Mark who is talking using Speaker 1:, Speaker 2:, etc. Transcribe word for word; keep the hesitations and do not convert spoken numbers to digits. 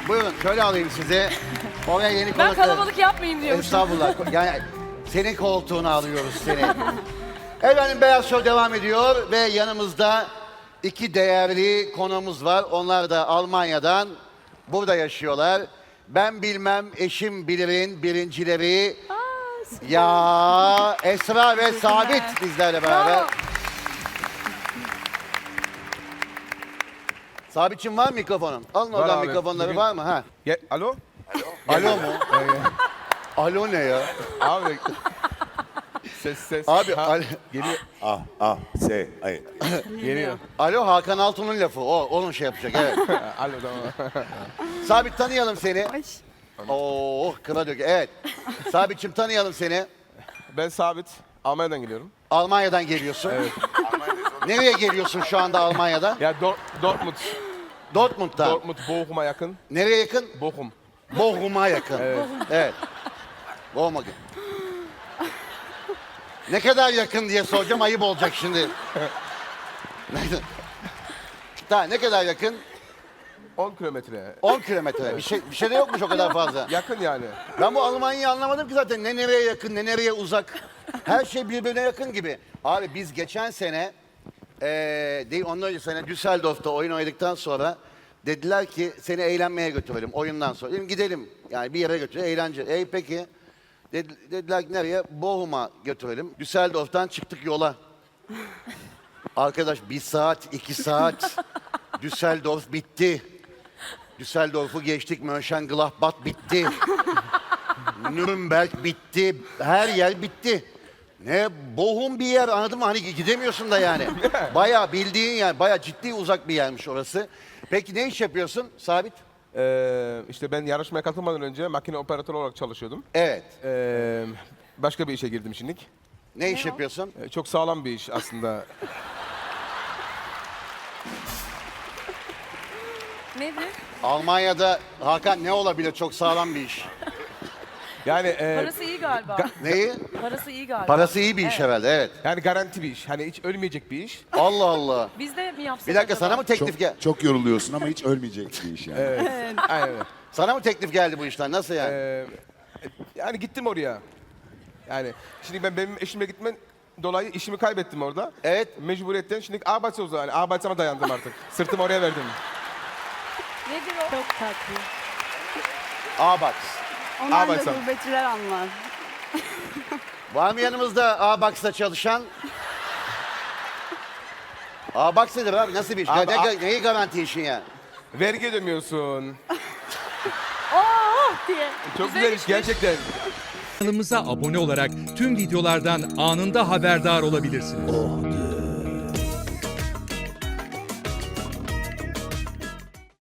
Speaker 1: Buyurun şöyle alayım sizi. Oraya yeni
Speaker 2: Ben
Speaker 1: konuklar.
Speaker 2: kalabalık yapmayayım diyormuşum.
Speaker 1: Estağfurullah. Yani senin koltuğunu alıyoruz seni. Efendim Beyaz Show devam ediyor ve yanımızda iki değerli konuğumuz var. Onlar da Almanya'dan burada yaşıyorlar. Ben bilmem eşim bilirin birincileri. Ya Esra ve Sabit bizlerle beraber.
Speaker 2: Bravo.
Speaker 1: Sabitçim var mı mikrofonun? Alın oradan
Speaker 3: abi.
Speaker 1: mikrofonları
Speaker 3: Bugün-
Speaker 1: var mı? Ha.
Speaker 3: Ya, alo?
Speaker 1: Alo mu? Alo ne ya?
Speaker 3: Abi. Ses ses.
Speaker 1: Abi
Speaker 3: Ha,
Speaker 1: al-
Speaker 3: geliyor.
Speaker 4: Ah, ah, se, ay.
Speaker 3: Geliyor.
Speaker 1: Alo Hakan Altun'un lafı. O onun şey yapacak evet.
Speaker 3: alo tamam.
Speaker 1: Sabit tanıyalım seni. Oo kıra dök. Evet. Sabitçim tanıyalım seni.
Speaker 3: Ben Sabit. Almanya'dan geliyorum.
Speaker 1: Almanya'dan geliyorsun.
Speaker 3: Evet.
Speaker 1: Nereye geliyorsun şu anda Almanya'dan?
Speaker 3: Ya Dor- Dortmund.
Speaker 1: Dortmund'dan.
Speaker 3: Dortmund, Bochum'a yakın.
Speaker 1: Nereye yakın?
Speaker 3: Bochum.
Speaker 1: Bochum'a yakın.
Speaker 3: Evet.
Speaker 1: Evet. Bochum'a yakın. Ne kadar yakın diye soracağım ayıp olacak şimdi. Daha ne kadar yakın?
Speaker 3: on kilometre.
Speaker 1: on kilometre. Bir şey, bir şey de yokmuş o kadar fazla.
Speaker 3: Yakın yani.
Speaker 1: Ben bu Almanya'yı anlamadım ki zaten. Ne nereye yakın, ne nereye uzak. Her şey birbirine yakın gibi. Abi biz geçen sene, eee değil ondan önce sene Düsseldorf'ta oyun oynadıktan sonra dediler ki seni eğlenmeye götürelim oyundan sonra. Dedim gidelim. Yani bir yere götürelim, eğlence. Ey peki. Dedi- dediler ki nereye? Bochum'a götürelim. Düsseldorf'tan çıktık yola. Arkadaş bir saat, iki saat. Düsseldorf bitti. Düsseldorf'u geçtik, Mönchengladbach bitti. Nürnberg bitti, her yer bitti. Ne bohum bir yer anladın mı? Hani gidemiyorsun da yani. Bayağı bildiğin yani, bayağı ciddi uzak bir yermiş orası. Peki ne iş yapıyorsun Sabit?
Speaker 3: Ee, işte ben yarışmaya katılmadan önce makine operatörü olarak çalışıyordum.
Speaker 1: Evet.
Speaker 3: Ee, başka bir işe girdim şimdilik.
Speaker 1: Ne iş yapıyorsun?
Speaker 3: Ee, çok sağlam bir iş aslında.
Speaker 2: Nedir?
Speaker 1: Almanya'da Hakan ne olabilir? Çok sağlam bir iş.
Speaker 3: Yani e,
Speaker 2: Parası iyi galiba.
Speaker 1: Neyi?
Speaker 2: Parası iyi galiba.
Speaker 1: Parası iyi bir iş herhalde, evet.
Speaker 3: yani garanti bir iş. Hani hiç ölmeyecek bir iş.
Speaker 1: Allah Allah.
Speaker 2: Biz de mi yapsak
Speaker 1: Bir dakika
Speaker 2: acaba?
Speaker 1: sana mı teklif
Speaker 4: Çok,
Speaker 1: gel?
Speaker 4: çok yoruluyorsun ama hiç ölmeyecek bir iş yani.
Speaker 3: Aynen öyle.
Speaker 1: Sana mı teklif geldi bu işten? Nasıl yani?
Speaker 3: Ee, yani gittim oraya. Yani şimdi ben benim eşimle gitmen dolayı işimi kaybettim orada.
Speaker 1: Evet.
Speaker 3: Mecburiyetten şimdi Arbeitslos o zaman. Yani Arbeitsama dayandım artık. Sırtımı oraya verdim.
Speaker 2: Nedir o?
Speaker 5: Çok tatlı.
Speaker 1: Abax.
Speaker 5: Onlar da
Speaker 3: Arbeitsam.
Speaker 5: gurbetçiler anlar.
Speaker 1: Var mı yanımızda Abax'ta çalışan? Abax nedir abi? Nasıl bir iş?
Speaker 3: Abi,
Speaker 1: ne,
Speaker 3: a-
Speaker 1: neyi garanti işin ya?
Speaker 3: Vergi ödemiyorsun.
Speaker 5: Oh diye.
Speaker 3: Çok
Speaker 2: Güzel
Speaker 3: güzel iş
Speaker 2: işmiş.
Speaker 3: gerçekten.
Speaker 6: Kanalımıza abone olarak tüm videolardan anında haberdar olabilirsiniz.